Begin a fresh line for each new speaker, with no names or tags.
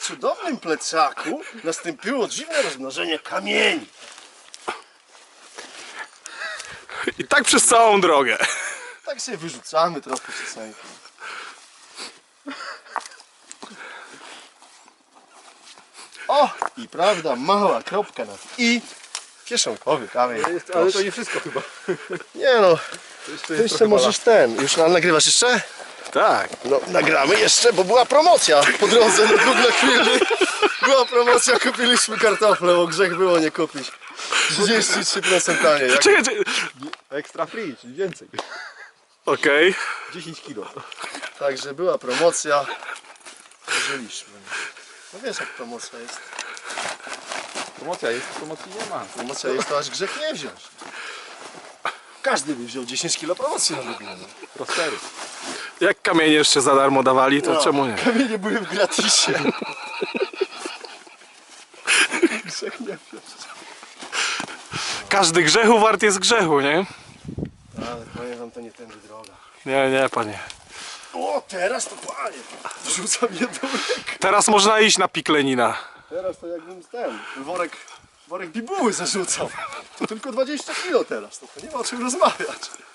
cudownym plecaku nastąpiło dziwne rozmnożenie kamieni.
I tak przez całą drogę.
Tak sobie wyrzucamy trochę czasami. O! I prawda, mała kropka na i kieszonkowy kamień.
Ale to nie wszystko chyba.
Nie no,
To
ty jeszcze możesz ten. Już nagrywasz jeszcze?
Tak.
No nagramy jeszcze, bo była promocja po drodze na drugą chwilę. Była promocja, kupiliśmy kartofle, bo grzech było nie kupić. 33% taniej. Jak...
Czekaj, czekaj.
Extra free, czyli więcej.
Okej.
10 kilo.
Także była promocja. Żyliśmy. No wiesz jak promocja jest.
Promocja jest, promocji nie ma.
Promocja jest to aż grzech nie wziąć. Każdy by wziął 10 kilo promocji na drugą.
Prospery.
Jak kamienie jeszcze za darmo dawali, to
No,
czemu nie?
kamienie były w gratisie. Grzech nie wziąć.
Każdy grzechu wart jest grzechu, nie?
Ale powiem wam, to nie tędy droga.
Nie, nie, panie.
O, teraz to panie. Rzucam jedną rękę.
Teraz można iść na piklenina.
Teraz to jakbym ten worek bibuły zarzucał. To tylko 20 kilo teraz, to nie ma o czym rozmawiać.